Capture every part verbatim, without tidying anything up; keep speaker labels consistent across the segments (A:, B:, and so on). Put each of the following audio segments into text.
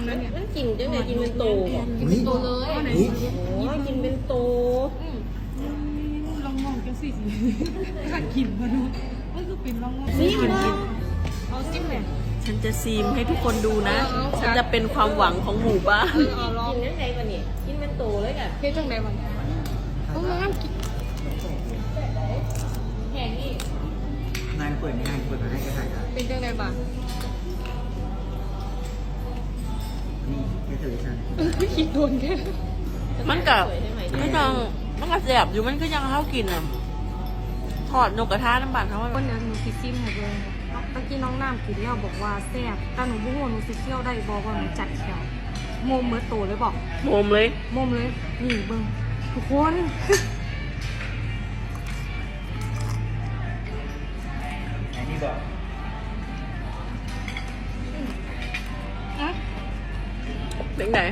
A: นะเนี่ย
B: มันกินจังไดกินเป็นโตบ่
A: กินเป็นตัวเลย
B: โอ้ยกินเป็นโต
A: ลองมองกันสิถ้ากินมาดูมันคือเป็นลองมอง
B: นี่บ่
A: เอาจิ้มเลย
C: ฉันจะซีมให้ทุกคนดูนะ ฉันจะเป็นความหวังของหมู่บ้าน
A: เอาลอง
B: กินจังไดบ่นี่กินเป็นโตเลยกะ
A: เฮ้ยจังไหนบ้างเอาน้ำกิน
B: แห้งนี่
D: งานเปิดงานเปิดมาให้กระถ่ายกัน
A: เป็นจังไหนบ้าง
D: นี่แค่เธอฉัน
A: ไม่คิดโดนแค่
C: มันกับไม่ต้องมันกับแสบอยู่มันก็ยังเข้ากินอ่ะทอดนกกระทะน้ำบานเขาว่า
A: วันนั้นหนูคิดซิมให้เบิ่งตะกี้น้องน้ำกินแล้วบอกว่าแซ่บแต่หนูบุ้งว่าหนูสิเคี่ยวได้บอกว่าหนูจัดแขวโมมเมื่อโตเลยบอก
C: โมมเลย
A: โมมเลยนี่เบิ่งทุกคน
D: ไอ้นี่บอก
C: เป็นไง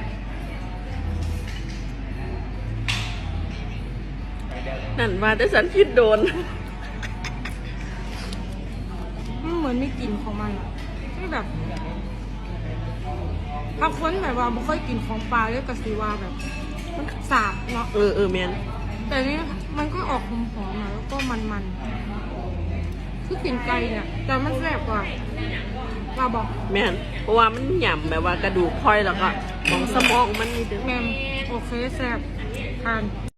C: นั่นมาแต่ฉันคิดโดน
A: มันเหมือนมีกลิ่นของมันอะที่แบบบางคนแบบว่าไม่ค่อยกินของปลาเลยกะสิว่าแบบมันสาบเนาะ
C: เออเออแมน
A: แต่นี่มันก็ออกหอมๆนะแล้วก็มันๆคือกลิ่นไก่เนี่ยแต่มันแซ่บกว่าเราบอก
C: แมนเพราะว่ามันหย่ำแบบว่ากระดูกพลอยแล้วก็มองสมองมันนี่เด้อ
A: แมมโอเคแซ่บทาน